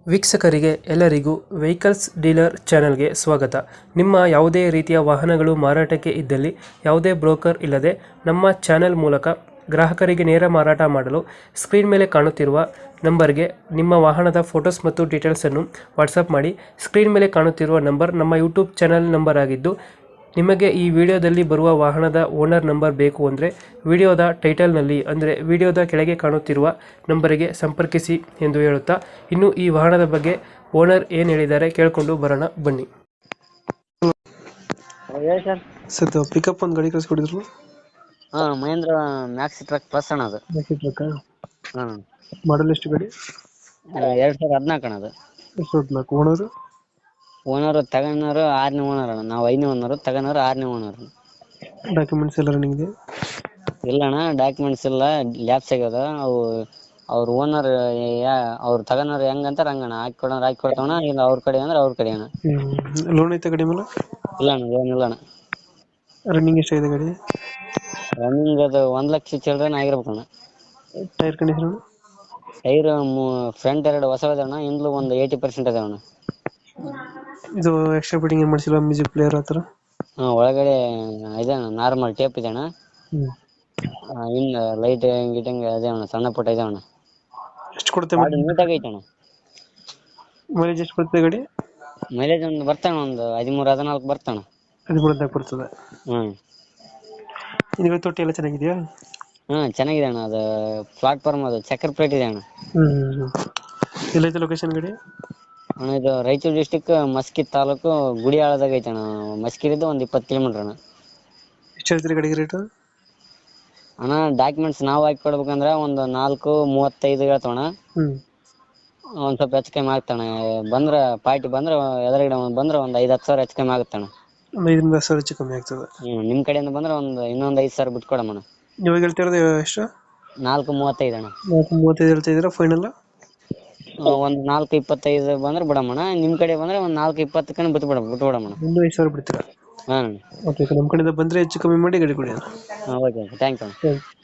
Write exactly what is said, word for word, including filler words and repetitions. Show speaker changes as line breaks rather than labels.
ವೀಕ್ಷಕರಿಗೆ ಎಲ್ಲರಿಗೂ vehicles dealer ಚಾನೆಲ್ಗೆ ಸ್ವಾಗತ. ನಿಮ್ಮ ಯಾವುದೇ ರೀತಿಯ ವಾಹನಗಳು ಮಾರಾಟಕ್ಕೆ ಇದ್ದಲ್ಲಿ ಯಾವುದೇ ಬ್ರೋಕರ್ ಇಲ್ಲದೆ ನಮ್ಮ ಚಾನೆಲ್ ಮೂಲಕ ಗ್ರಾಹಕರಿಗೆ ನೇರ ಮಾರಾಟ ಮಾಡಲು ಸ್ಕ್ರೀನ್ ಮೇಲೆ ಕಾಣುತ್ತಿರುವ ನಂಬರ್ಗೆ ನಿಮ್ಮ ವಾಹನದ ಫೋಟೋಸ್ ಮತ್ತು ಡೀಟೇಲ್ಸನ್ನು ವಾಟ್ಸಪ್ ಮಾಡಿ. ಸ್ಕ್ರೀನ್ ಮೇಲೆ ಕಾಣುತ್ತಿರುವ ನಂಬರ್ ನಮ್ಮ ಯೂಟ್ಯೂಬ್ ಚಾನೆಲ್ ನಂಬರ್ ಆಗಿದ್ದು, ನಿಮಗೆ ಈ ವಿಡಿಯೋದಲ್ಲಿ ಬರುವ ವಾಹನದ ಓನರ್ ನಂಬರ್ ಬೇಕು ಅಂದರೆ ವಿಡಿಯೋದ ಟೈಟಲ್ನಲ್ಲಿ ಅಂದರೆ ವಿಡಿಯೋದ ಕೆಳಗೆ ಕಾಣುತ್ತಿರುವ ನಂಬರಿಗೆ ಸಂಪರ್ಕಿಸಿ ಎಂದು ಹೇಳುತ್ತಾ, ಇನ್ನು ಈ ವಾಹನದ ಬಗ್ಗೆ ಓನರ್ ಏನು ಹೇಳಿದ್ದಾರೆ ಕೇಳಿಕೊಂಡು ಬರೋಣ ಬನ್ನಿ.
ಹೇಳಿ ಸರ್.
ಸರ್ ಪಿಕಪ್ ಒಂದು ಗಾಡಿ ಕಳಿಸ್ಕೊಡಿದ್ರು.
ಹಾ, ಮಹೇಂದ್ರ ಮ್ಯಾಕ್ಸಿ ಟ್ರಕ್ ಪ್ಲಸ್ ಅಣ್ಣ ಅದು. ಹಾ,
ಮಾಡಲ್ ಎಷ್ಟು ಗಾಡಿ?
ಎರಡ್ ಸಾವಿರದ ಹದಿನಾಲ್ಕು ಅಣ್ಣ ಅದು.
ಎಷ್ಟು ಹದಿನಾಲ್ಕು ಓನರು?
ಓನರ್ ತಗೊಂಡವರು ಆರನೇ ಓನರ್ ಅಣ್ಣ. ನಾವು ಐದನೇ ಓನರ್, ತಗೊಂಡವರು ಆರನೇ ಓನರ್.
ಡಾಕ್ಯುಮೆಂಟ್ಸ್ ಎಲ್ಲ ರನ್ನಿಂಗ್ ಇದೆ?
ಇಲ್ಲ ಅಣ್ಣ, ಡಾಕ್ಯುಮೆಂಟ್ಸ್ ಇಲ್ಲ, ಲ್ಯಾಪ್ಸ್ ಆಗ್ಯದ. ಅವು ಅವ್ರ ಓನರ್ ಅವ್ರು ತಗೊಂಡವ್ರು ಹೆಂಗಂತಾರ ಹಂಗಣ್ಣ. ಹಾಕಿ ಕೊಡೋರು ಹಾಕಿ ಕೊಡ್ತಾವಣ್ಣ, ಇಲ್ಲ ಅವ್ರ ಕಡೆ ಅಂದ್ರೆ ಅವ್ರ ಕಡೆ ಅಣ್ಣ.
ಲೋನ್ ಐತೆ ಗಾಡಿ ಮೇಲೆ?
ಇಲ್ಲ ಅಣ್ಣ, ಏನಿಲ್ಲ ಅಣ್ಣ.
ರನ್ನಿಂಗ್ ಎಷ್ಟಾಗಿದೆ ಗಾಡಿ?
ರನ್ನಿಂಗ್ ಅದು ಒಂದ್ ಲಕ್ಷ ಚಿಲ್ಡ್ರನ್ ಆಗಿರ್ಬೇಕಣ್ಣ.
Tyre condition?
ಟೈರ್ ಫ್ರಂಟ್ ಎರಡು ಹೊಸದಣ್ಣ, ಹಿಂದ್ಲು ಒಂದು ಏಯ್ಟಿ ಪರ್ಸೆಂಟ್ ಅದಾವಣ್ಣ.
ಇದು ಎಕ್ಸ್ಟ್ರಾ ಫಿಟ್ಟಿಂಗ್ ಏನು ಮಾಡಿಸಿಲ್ಲ? ಮ್ಯೂಸಿಕ್ ಪ್ಲೇಯರ್ ಆ ಥರ?
ಹಾ, ಒಳಗಡೆ ಇದೆ ಅಣ್ಣ, ನಾರ್ಮಲ್ ಟೇಪ್ ಇದೆ ಅಣ್ಣ. ಇನ್ನು ಲೈಟ್ ಗಿಟಿಂಗ್ ಇದೆ ಅಣ್ಣ, ಸಣ್ಣ ಪುಟ್ಟ ಇದೆ ಅಣ್ಣ.
ಎಷ್ಟು ಕೊಡುತ್ತೆ
ನೀಟಾಗಿ ಐತೆ ಅಣ್ಣ.
ಮೈಲೇಜ್ ಎಷ್ಟು ಕೊಡುತ್ತೆ ಗಾಡಿ?
ಮೈಲೇಜ್ ಒಂದು ಬರ್ತಾನ, ಒಂದು ಹದಿಮೂರು ಹದಿನಾಲ್ಕು ಬರ್ತಾನ.
ಹದಿಮೂರು ಹದಿನಾಲ್ಕು ಬರ್ತದೆ.
ಹ್ಮ್
ಹಿಂದ್ಗಡೆ ತೊಟ್ಟಿ ಎಲ್ಲ ಚೆನ್ನಾಗಿದೆಯಾ?
ಹಾ, ಚೆನ್ನಾಗಿದೆ ಅಣ್ಣ. ಅದು ಪ್ಲಾಟ್ಫಾರ್ಮ್ ಅದು ಚಕ್ರ ಪ್ಲೇಟ್ ಇದೆ ಅಣ್ಣ.
ಹ್ಮ್ ಎಲ್ಲೈತೆ ಲೊಕೇಶನ್ ಗಾಡಿ?
ಅಣ್ಣ ಇದು ರಾಯಚೂರು ಡಿಸ್ಟಿಕ್ ಮಸ್ಕಿ ತಾಲೂಕು ಗುಡಿಯಾಳದಾಗ ಐತೆ ಅಣ್ಣ. ಮಸ್ಕಿಲಿದ್ದು ಒಂದು ಇಪ್ಪತ್ತು ಕಿಲೋಮೀಟರ್ ಅಣ್ಣ.
ಎಷ್ಟು ಹೇಳ್ತೀರಿ ಗಾಡಿಗೆ ರೇಟು?
ಅಣ್ಣ ಡಾಕ್ಯುಮೆಂಟ್ಸ್ ನಾವು ಹಾಕಿ ಕೊಡ್ಬೇಕಂದ್ರೆ ಒಂದು ನಾಲ್ಕು ಮೂವತ್ತೈದು ಹೇಳ್ತಾವಣ್ಣ.
ಹ್ಮ್
ಒಂದ್ ಸ್ವಲ್ಪ ಹೆಚ್ಚು ಕಮ್ಮಿ ಆಗ್ತಾನೆ. ಬಂದ್ರೆ ಪಾರ್ಟಿ ಬಂದ್ರೆ ಎದುರುಗಡೆ ಬಂದ್ರೆ ಒಂದು ಐದು ಹತ್ತು ಸಾವಿರ ಹೆಚ್ಚು ಕಮ್ಮಿ ಆಗುತ್ತಣ್ಣ.
ಒಂದು ಐದರಿಂದ ಹತ್ತು ಸಾವಿರ ಹೆಚ್ಚು ಕಮ್ಮಿ ಆಗ್ತದೆ.
ಹ್ಮ್ ನಿಮ್ ಕಡೆಯಿಂದ ಬಂದ್ರೆ ಒಂದು ಇನ್ನೊಂದು ಐದು ಸಾವಿರ ಬಿಟ್ಟು ಕೊಡಮ್ಮಣ್ಣ.
ಇವಾಗ ಹೇಳ್ತಿರೋದು ಎಷ್ಟು?
ನಾಲ್ಕು ಮೂವತ್ತೈದು ಅಣ್ಣ.
ನಾಲ್ಕು ಮೂವತ್ತೈದು ಹೇಳ್ತಾ ಇದ್ದೀರಾ ಫೈನಲ್?
ಒಂದ್ ನಾಲ್ಕು ಇಪ್ಪತ್ತೈದು ಬಂದ್ರೆ ಬಿಡಮ್ಮಣ್ಣ. ನಿಮ್ ಕಡೆ ಬಂದ್ರೆ ಒಂದ್ ನಾಲ್ಕು ಇಪ್ಪತ್ತಕ್ಕನ ಬಿಟ್ಟು ಬಿಡ ಬಿಟ್ಟು ಬಿಡಮ್ಮಣ್ಣ.
ಒಂದು ಐದು ಸಾವಿರ ಬಿಡ್ತೀರಾ?
ಹಾ
ಓಕೆ, ನಮ್ಮ ಕಡೆಯಿಂದ ಬಂದರೆ ಹೆಚ್ಚು ಕಮ್ಮಿ ಮಾಡಿ ಗಾಡಿ ಕೊಡಿ.
Okay, thank you.